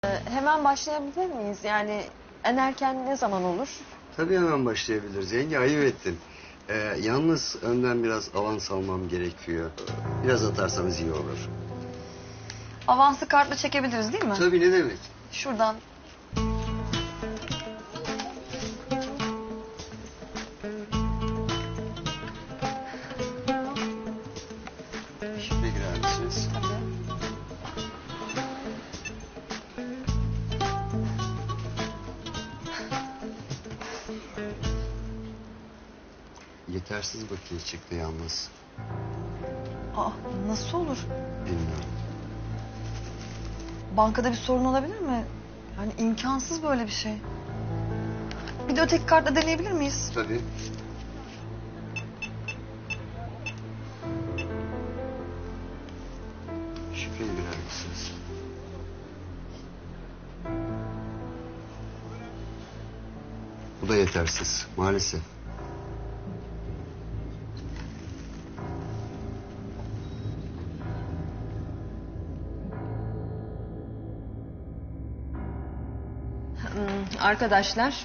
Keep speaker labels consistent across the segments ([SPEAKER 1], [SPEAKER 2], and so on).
[SPEAKER 1] Hemen başlayabilir miyiz? Yani en erken ne zaman olur?
[SPEAKER 2] Tabii hemen başlayabiliriz. Yenge ayıp ettin. Yalnız önden biraz avans almam gerekiyor. Biraz atarsanız iyi olur.
[SPEAKER 1] Avansı kartla çekebiliriz değil mi?
[SPEAKER 2] Tabii ne demek?
[SPEAKER 1] Şuradan.
[SPEAKER 2] Şifre girer misiniz?
[SPEAKER 1] Tabii.
[SPEAKER 2] Yetersiz bakiye çıktı yalnız.
[SPEAKER 1] Aa, nasıl olur?
[SPEAKER 2] Bilmiyorum.
[SPEAKER 1] Bankada bir sorun olabilir mi? Yani imkansız böyle bir şey. Bir de öteki kartla deneyebilir miyiz?
[SPEAKER 2] Tabii. Şifreyi girer misiniz? Bu da yetersiz maalesef.
[SPEAKER 1] Arkadaşlar,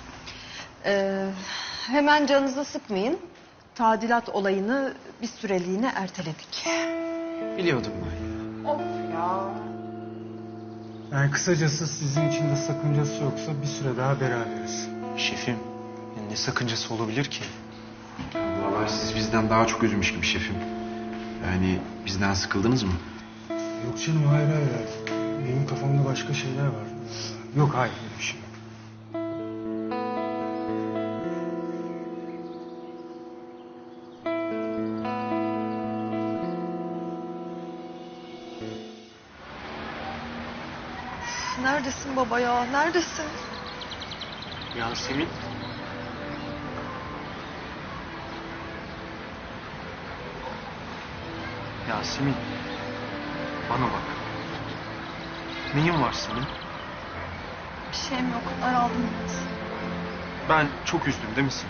[SPEAKER 1] hemen canınızı sıkmayın. Tadilat olayını bir süreliğine erteledik.
[SPEAKER 3] Biliyordum ben ya.
[SPEAKER 1] Of ya.
[SPEAKER 4] Yani kısacası sizin için de sakıncası yoksa bir süre daha beraberiz.
[SPEAKER 3] Şefim, ne sakıncası olabilir ki? Vallahi siz bizden daha çok üzülmüş gibi şefim. Yani bizden sıkıldınız mı?
[SPEAKER 4] Yok canım hayır hayır. Benim kafamda başka şeyler var. Yok hayır öyle bir şey yok.
[SPEAKER 1] Neredesin baba ya? Neredesin?
[SPEAKER 3] Yasemin. Yasemin. Bana bak. Neyin var senin?
[SPEAKER 1] Bir şeyim yok. Daraldım biraz.
[SPEAKER 3] Ben çok üzdüm değil mi seni?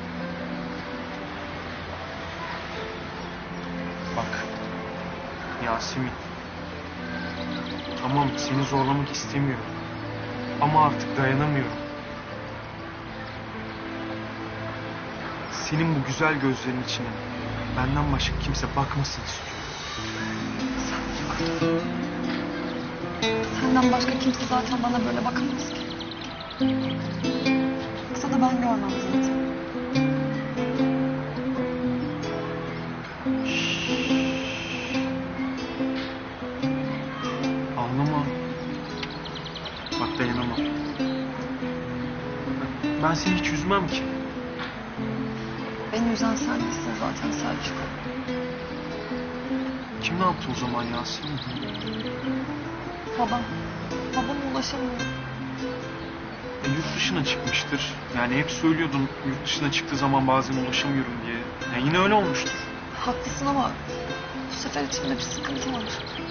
[SPEAKER 3] Bak. Yasemin. Tamam seni zorlamak istemiyorum. Ama artık dayanamıyorum. Senin bu güzel gözlerin içine benden başka kimse bakmasın istiyorum.
[SPEAKER 1] Senden başka kimse zaten bana böyle bakamaz ki. Baksa da ben görmem zaten.
[SPEAKER 3] Ağlama. Bak dayanamam. Ben seni hiç üzmem ki.
[SPEAKER 1] Beni üzen sen değilsin zaten Selçuk.
[SPEAKER 3] Kim ne yaptı o zaman Yasemin?
[SPEAKER 1] Babam. Babama ulaşamıyorum.
[SPEAKER 3] Yurt dışına çıkmıştır. Yani hep söylüyordun yurt dışına çıktığı zaman bazen ulaşamıyorum diye. Yine öyle olmuştur.
[SPEAKER 1] Haklısın ama bu sefer içimde bir sıkıntı var.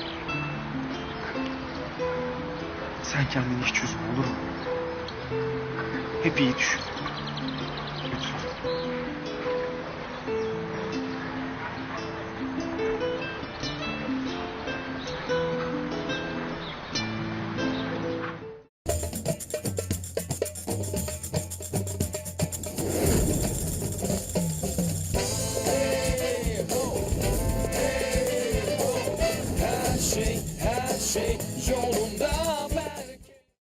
[SPEAKER 3] Sen kendini hiç üzme olur mu? Hep iyi düşün. Lütfen.